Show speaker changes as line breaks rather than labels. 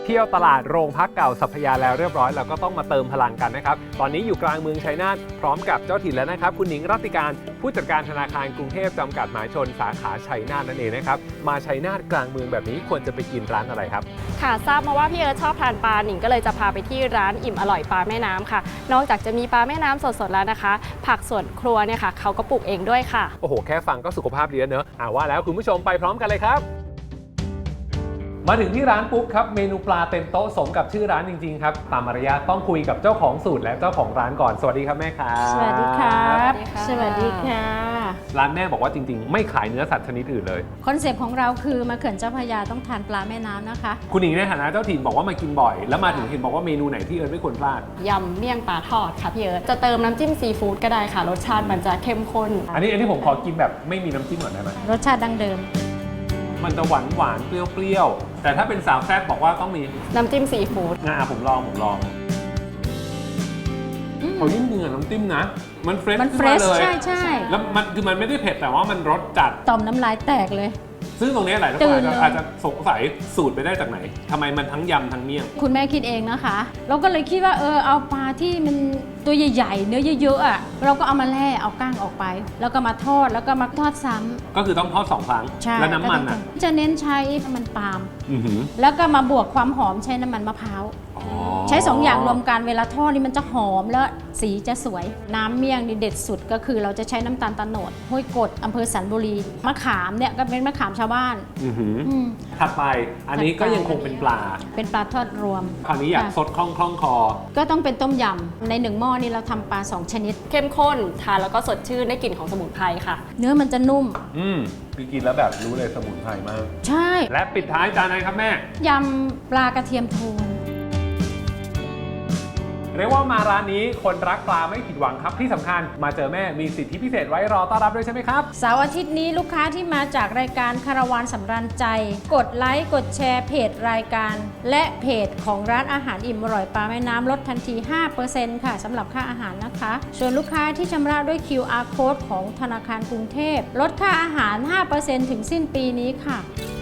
ที่ยวตลาดโรงพักเก่าสัพพยาแล้วเรียบร้อยเราก็ต้องมาเติมพลังกันนะครับตอนนี้อยู่กลางเมืองชัยนาทพร้อมกับเจ้าถิ่นแล้วนะครับคุณหนิงรัตติการผู้จัดการธนาคารกรุงเทพจำกัดหมายชนสาขาชัยนาทนั่นเองนะครับมาชัยนาทกลางเมืองแบบนี้ควรจะไปกินร้านอะไรครับ
ค่ะทราบมาว่าพี่เอิร์ธชอบทานปลาหนิงก็เลยจะพาไปที่ร้านอิ่มอร่อยปลาแม่น้ำค่ะนอกจากจะมีปลาแม่น้ำสดๆแล้วนะคะผักสวนครัวเนี่ยค่ะเขาก็ปลูกเองด้วยค่ะ
โอ้โหแค่ฟังก็สุขภาพดีแล้วเนอะว่าแล้วคุณผู้ชมไปพร้อมกันเลยครับมาถึงที่ร้านปุ๊บครับเมนูปลาเต็มโต๊ะสมกับชื่อร้านจริงๆครับตามมารยาทต้องคุยกับเจ้าของสูตรและเจ้าของร้านก่อนสวัสดีครับแม่ครับ
สวัสดีครับสวัสดีค่ะ
ร้านแม่บอกว่าจริงๆไม่ขายเนื้อสัตว์ชนิดอื่นเลย
คอนเซปต์ของเราคือมาเขื่อนเจ้าพระยาต้องทานปลาแม่น้ำนะคะ
คุณหญิงในฐานะเจ้าถิ่นบอกว่ามากินบ่อยแล้วมาถึงเห็นบอกว่าเมนูไหนที่เอิร์ธไม่ควรพลาด
ยำเมี่ยงปลาทอดค่ะพี่เอิร์ธจะเติมน้ำจิ้มซีฟู้ดก็ได้ค่ะรสชาติมันจะเข้มข้น
อันนี้ผมขอกินแบบไม่มีน้ำจิ้มก่อนได้ไหม
รสชาติดั้งเดิม
มันจะหวานเปรี้ยวแต่ถ้าเป็นสาวแซ่บบอกว่าต้องมี
น้ำจิ้มซีฟู้ด
ผมลองเขายิ่งเนื้อน้ำจิ้มนะมันเฟรช
เลยใช่
แล้วมันไม่ได้เผ็ดแต่ว่ามันรสจัด
ต่อมน้ำลายแตกเลย
ซึ่งตรงนี้หลายคนอาจจะสงสัยสูตรไปได้จากไหนทำไมมันทั้งยำทั้งเมี่ยง
คุณแม่คิดเองนะคะเราก็เลยคิดว่าเอาปลาที่มันตัวใหญ่ๆเนื้อเยอะๆอ่ะเราก็เอามาแล่เอาก้างออกไปแล้วก็มาทอดแล้วก็มาทอดซ้ำ
ก็คือต้องทอด2 ครั้งแล้วน้ำมันอ่ะ
จะเน้นใช้น้ำมันปาล์มแล้วก็มาบวกความหอมใช้น้ำมันมะพร้าวใช้2 อย่างรวมกันเวลาทอดนี่มันจะหอมแล้วสีจะสวยน้ำเมี่ยงนี่เด็ดสุดก็คือเราจะใช้น้ำตาลตะโนดห้วยกดอำเภอสันบุรีมะขามเนี่ยก็เป็นมะขามชาวบ้าน
ถัดไปอันนี้ก็ยังคงเป็นปลา
ทอดรวม
คราวนี้อยากสดคล่องคอ
ก็ต้องเป็นต้มยำใน1 หม้อนี่เราทำปลา2 ชนิด
เข้มข้นทานแล้วก็สดชื่นได้กลิ่นของสมุนไพรค่ะ
เนื้อมันจะนุ่ม
คือกินแล้วแบบรู้เลยสมุนไพรมาก
ใช่
และปิดท้ายจานไหนครับแม่
ยำปลากระเทียมโทน
เรียกว่ามาร้านนี้คนรักปลาไม่ผิดหวังครับที่สำคัญมาเจอแม่มีสิทธิพิเศษไว้รอต้อนรับด้วยใช่ไหมครับ
เสาร์อาทิตย์นี้ลูกค้าที่มาจากรายการคาราวานสำราญใจกดไลค์กดแชร์เพจรายการและเพจของร้านอาหารอิ่มอร่อยปลาแม่น้ำลดทันที 5% ค่ะสำหรับค่าอาหารนะคะส่วนลูกค้าที่ชำระด้วย QR Code ของธนาคารกรุงเทพลดค่าอาหาร 5% ถึงสิ้นปีนี้ค่ะ